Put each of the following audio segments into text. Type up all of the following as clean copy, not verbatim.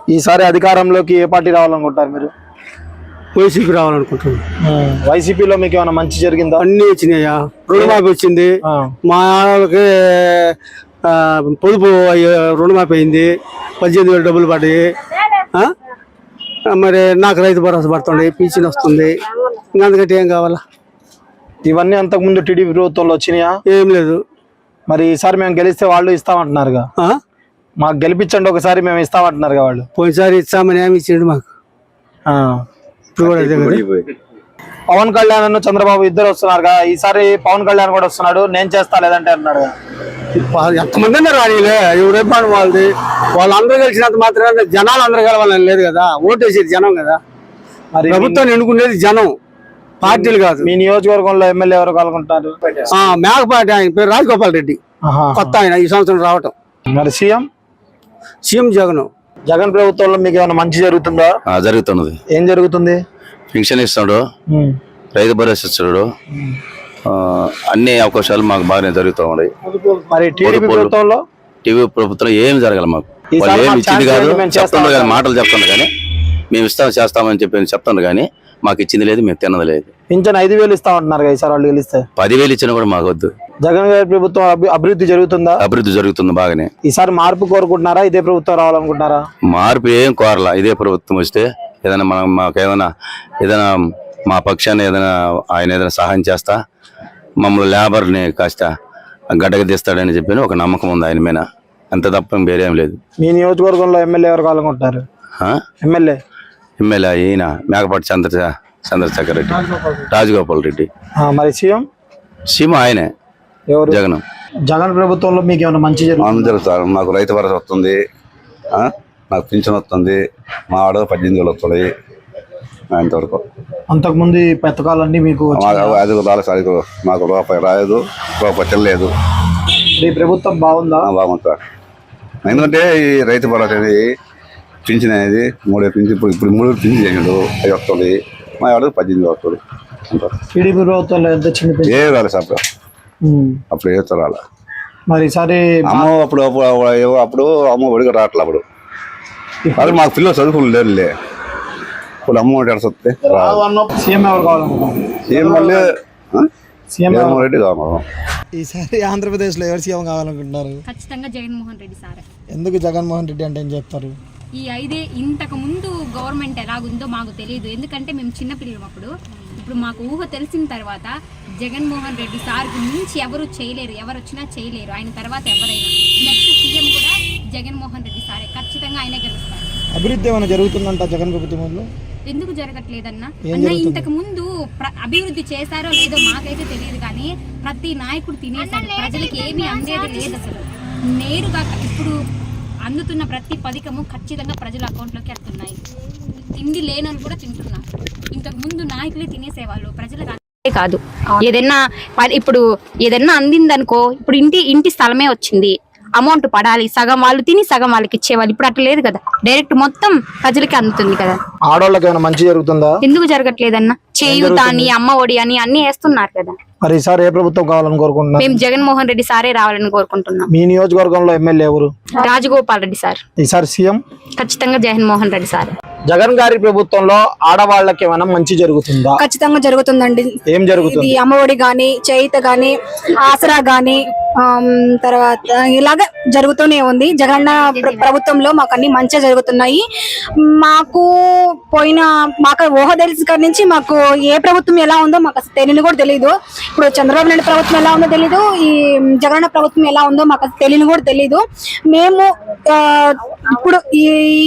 ఈసారి అధికారంలోకి ఏ పార్టీ రావాలనుకుంటారు మీరు? వైసీపీ రావాలనుకుంటున్నాం. వైసీపీలో మీకు ఏమైనా మంచి జరిగిందా? అన్ని వచ్చినాయా, రుణమాఫీ వచ్చింది, మా వాళ్ళకి పొదుపు రుణమాఫీ అయింది, 18,000 డబ్బులు పడ్డాయి. మరి నాకు రైతు భరోసా పడుతుంది, పింఛన్ వస్తుంది. ఇంకా అందుకంటే ఏం కావాలా? ఇవన్నీ అంతకుముందు టీడీపీ ప్రభుత్వంలో వచ్చినాయా? ఏం లేదు. మరి ఈసారి మేము గెలిస్తే వాళ్ళు ఇస్తామంటున్నారుగా, మాకు గెలిపించండి ఒకసారి మేము ఇస్తామంటున్నారుగా వాళ్ళు. పోయినసారి ఇస్తామని ఏమి ఇచ్చిండు మాకు. ఇప్పుడు కూడా పవన్ కళ్యాణ్ చంద్రబాబు ఇద్దరు వస్తున్నారుగా, ఈసారి పవన్ కళ్యాణ్ కూడా వస్తున్నాడు, నేను చేస్తా లేదంటే అన్నాడు. ఎంతమంది అన్నారు రానిలే, ఎవరేం పని వాళ్ళది. వాళ్ళందరూ కలిసినంత మాత్రం జనాలు అందరూ కలవాలని లేదు కదా, ఓటేసేది జనం కదా. మరి ప్రభుత్వాన్ని ఎన్నుకునేది జనం, పార్టీలు కాదు. మీ నియోజకవర్గంలో ఎమ్మెల్యే ఎవరు కలుగుంటారు? మేకపాటి, ఆయన పేరు రాజగోపాల్ రెడ్డి, కొత్త ఆయన ఈ సంవత్సరం రావటం. మరి సీఎం జగన్ ప్రభుత్వంలో మీకు ఏమైనా మంచి జరుగుతుందా? జరుగుతున్నది. ఏం జరుగుతుంది? పెన్షన్ ఇస్తాడు, రైతు భరోసా ఇస్తాడు, అన్ని అవకాశాలు మాకు బాగానే జరుగుతూ ఉన్నాయి. మరి టీడీపీ ప్రభుత్వం ఏం జరగాలి మాకు, వాళ్ళు ఏమి ఇచ్చింది కాదు, చెప్తుండ్రు కానీ మాటలు చెప్తుండ్రు కానీ మేము చేస్తామని చెప్పి చెప్తుండ్రు కానీ మాకు ఇచ్చింది లేదు, మేము తిన్నది లేదు. పింఛన్ 5,000 ఇస్తామంటున్నారు ఈసారి వాళ్ళు గెలిస్తే. 10,000 ఇచ్చినా కూడా మాకు వద్దు. జగన్ గారి ప్రభుత్వం అభివృద్ధి జరుగుతుందా? అభివృద్ధి జరుగుతుంది బాగానే. ఈసారి మార్పు కోరుకుంటున్నారా, ఇదే ప్రభుత్వం రావాలనుకుంటున్నారా? మార్పు ఏం కోరలా, ఇదే ప్రభుత్వం వస్తే ఏదైనా మాకు ఏదైనా మా పక్షాన్ని ఆయన ఏదైనా సహాయం చేస్తా, మమ్మల్ని లేబర్ని కాస్త గడ్డగా తీస్తాడని చెప్పి ఒక నమ్మకం ఉంది ఆయన మీద, అంత తప్ప వేరేం లేదు. మీ నియోజకవర్గంలో ఎమ్మెల్యే ఎవరు కావాలనుకుంటారు? ఎమ్మెల్యే ఈయన మేకపాటి చంద్రశేఖర్ రెడ్డి, రాజగోపాల్ రెడ్డి. మరి సీఎం ఆయనే, జగన్ ప్రభుత్వంలో మీకు ఏమైనా మంచి జరుగుతుంది? మాకు రైతు భరోసా వస్తుంది, నాకు పింఛన్ వస్తుంది, మా ఆడ 18,000 వస్తుంది. ఇంతవరకు అంతకుముందు పథకాలన్నీ మీకు మాకు రూపాయి రాలేదు, రూపాయి చెల్లలేదు. ఈ ప్రభుత్వం బాగుందా? బాగుంది సార్. ఎందుకంటే ఈ రైతు భరోసా అనేది పింఛన్ అనేది 3 పింఛన్, ఇప్పుడు 3 పింఛన్ చేసాడు, 5 వస్తుంది, మా ఆడ 18,000 వస్తుంది. టీడీపీ ప్రభుత్వంలో ఎంత చిన్న ఏం రాలేదు సార్, అప్పుడు ఏ రాలే. మరి ఈసారి అప్పుడు అమ్మ ఒడిగా రావట్లే. అప్పుడు మాకు పిల్లలు చదువుకుని లేరులే, ఇప్పుడు అమ్మ ఒడి వస్తే సీఎం ఎవరు కావాలనుకుంటున్నారు? సీఎం రెడ్డి కావాలి. ఈసారి ఆంధ్రప్రదేశ్ లో ఎవరు సీఎం కావాలనుకుంటున్నారు? ఖచ్చితంగా జగన్మోహన్ రెడ్డి సార్. ఎందుకు జగన్మోహన్ రెడ్డి అంటే ఏం చెప్తారు? ఈ 5 ఇంతకు ముందు గవర్నమెంట్ ఎలాగుందో మాకు తెలియదు, ఎందుకంటే మేము చిన్నపిల్లలం అప్పుడు. ఇప్పుడు మాకు ఊహ తెలిసిన తర్వాత జగన్మోహన్ రెడ్డి సార్ మించి ఎవరు చేయలేరు, ఎవరు వచ్చినా చేయలేరు. ఆయన తర్వాత ఎవరైనా నెక్స్ట్ సీఎం కూడా జగన్మోహన్ రెడ్డి సారే, ఖచ్చితంగా ఆయనే గెలుస్తారు. అభివృద్ధి ఏమైనా జరుగుతుందంట జగన్ ప్రభుత్వంలో? ఎందుకు జరగట్లేదన్నా? ఇంతకు ముందు అభివృద్ధి చేశారో లేదో మాకైతే తెలియదు, కానీ ప్రతి నాయకుడు తినేశాడు, ప్రజలకి ఏమీ అందేది లేదు అసలు. నేరుగా ఇప్పుడు అందుతున్న ప్రతి పథకము ఖచ్చితంగా ప్రజల అకౌంట్లోకి వస్తున్నాయి. తిండి లేనని కూడా తింటున్నారు. ఇంతకు ముందు నాయకులే తినేసేవాళ్ళు, ప్రజలకు కాదు. ఇప్పుడు ఏదన్నా అందిందనుకో, ఇప్పుడు ఇంటి స్థలమే వచ్చింది, అమౌంట్ పడాలి, సగం వాళ్ళు తిని సగం వాళ్ళకి ఇచ్చేవాళ్ళు. ఇప్పుడు అట్లా లేదు కదా, డైరెక్ట్ మొత్తం ప్రజలకి అందుతుంది కదా. ఆడవాళ్ళకి ఏమైనా మంచి జరుగుతుందా? ఎందుకు జరగట్లేదన్నా? చేయూత అని, అమ్మ ఒడి అని అన్ని వేస్తున్నారు కదా. మరి ఈసారి ఏ ప్రభుత్వం కావాలని కోరుకుంటున్నారు? మేము జగన్మోహన్ రెడ్డి సారే రావాలని కోరుకుంటున్నాం. మీ నియోజకవర్గంలో ఎమ్మెల్యే ఎవరు? రాజగోపాల్ రెడ్డి సార్. ఈసారి సీఎం ఖచ్చితంగా జగన్మోహన్ రెడ్డి సార్. జగన్ గారి ప్రభుత్వంలో ఆడవాళ్ళకి ఏమైనా మంచి జరుగుతుందా? ఖచ్చితంగా జరుగుతుందండి. ఏం జరుగుతుంది? అమ్మఒడి గాని, చేయిత గాని, ఆసరా గాని, తర్వాత ఇలాగ జరుగుతూనే ఉంది. జగన్ ప్రభుత్వంలో మాకు అన్ని మంచిగా జరుగుతున్నాయి. మాకు ఊహ తెలిసి కాడి నుంచి మాకు ఏ ప్రభుత్వం ఎలా ఉందో మాకు అసలు తెలియని కూడా తెలియదు. ఇప్పుడు చంద్రబాబు నాయుడు ప్రభుత్వం ఎలా ఉందో తెలీదు, ఈ జగన్ ప్రభుత్వం ఎలా ఉందో మాకు అసలు తెలియని కూడా తెలీదు. మేము ఇప్పుడు ఈ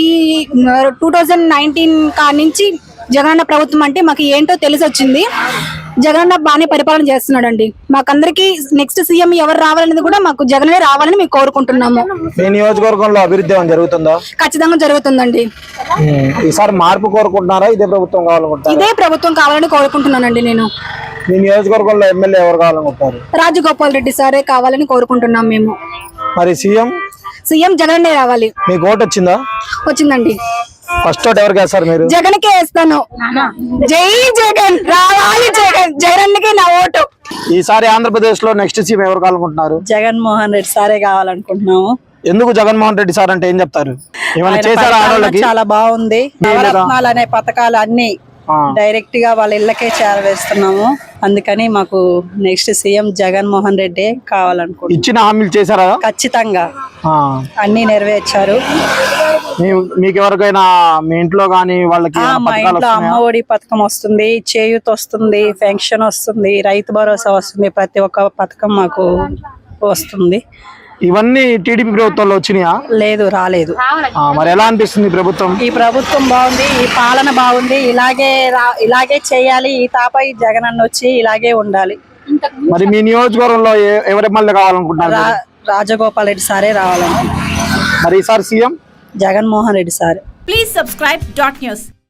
2019 కాడి నుంచి జగనన్న ప్రభుత్వం అంటే మాకు ఏంటో తెలిసి వచ్చింది. జగనన్న బాగానే పరిపాలన చేస్తున్నాడండి. మాకందరికి నెక్స్ట్ సీఎం ఎవరు రావాలనేది కూడా మాకు జగనే రావాలని మేము కోరుకుంటున్నాము. మీ నియోజకవర్గంలో అభివృద్ధి జరుగుతుందా? ఖచ్చితంగా జరుగుతుందండి. ఈసారి మార్పు కోరుకుంటున్నారా, ఇదే ప్రభుత్వం కావాలనుకుంటున్నారా? ఇదే ప్రభుత్వం కావాలని కోరుకుంటున్నానండి నేను. మీ నియోజకవర్గంలో ఎమ్మెల్యే ఎవరు కావాలనుకుంటారు? రాజగోపాల్ రెడ్డి సారే కావాలని కోరుకుంటున్నాం మేము. మరి సీఎం జగన్ రావాలి. మీకు ఓటు వచ్చిందా? వచ్చిందండి. ఫస్ట్ ఓట్ ఎవరికి వేస్తారు మీరు? జగన్కే వేస్తాను. జై జగన్, రావాలి జగన్, జగన్కే నా ఓటు. ఈసారి ఆంధ్రప్రదేశ్ లో నెక్స్ట్ సీఎం ఎవరు కావాలనుకుంటున్నారు? జగన్మోహన్ రెడ్డి సారే కావాలనుకుంటున్నాము. ఎందుకు జగన్మోహన్ రెడ్డి సార్ అంటే ఏం చెప్తారు? ఏమైనా ఆయన చేశారా పరిపాలన ఆడవాళ్ళకి? చాలా బాగుంది. నవరత్నాలు అనే పథకాలు అన్ని డైరెక్ట్ గా వాళ్ళ ఇళ్ళకే చేరవేస్తున్నాము. అందుకని మాకు నెక్స్ట్ సీఎం జగన్మోహన్ రెడ్డి కావాలనుకుంటున్నాం. ఇచ్చిన హామీలు చేశారా? ఖచ్చితంగా ఆ. అన్ని నెరవేర్చారు. మీకు ఎవరికైనా మీ ఇంట్లో గానీ వాళ్ళకి మా పథకాలు ఇంట్లో వస్తున్నాయా? అమ్మ ఒడి పథకం వస్తుంది, చేయూత వస్తుంది, పెన్షన్ వస్తుంది, రైతు భరోసా వస్తుంది. ప్రతి ఒక్క పథకం మాకు వస్తుంది. ఇవన్నీ టీడీపీ ప్రభుత్వంలో వచ్చినాయా? లేదు, రాలేదు. మరి ఎలా అనిపిస్తుంది ఈ ప్రభుత్వం? ఈ ప్రభుత్వం బాగుంది, ఈ పాలన బాగుంది. ఇలాగే చేయాలి. ఈ తాపై జగన్ అన్న వచ్చి ఇలాగే ఉండాలి. మరి మీ నియోజకవర్గంలో ఎవరి ఎమ్మెల్యే కావాలనుకుంటున్నారు? రాజగోపాల్ రెడ్డి సారే రావాలని. మరి ఈసారి సీఎం జగన్మోహన్ రెడ్డి సారే. Please subscribe Dot News.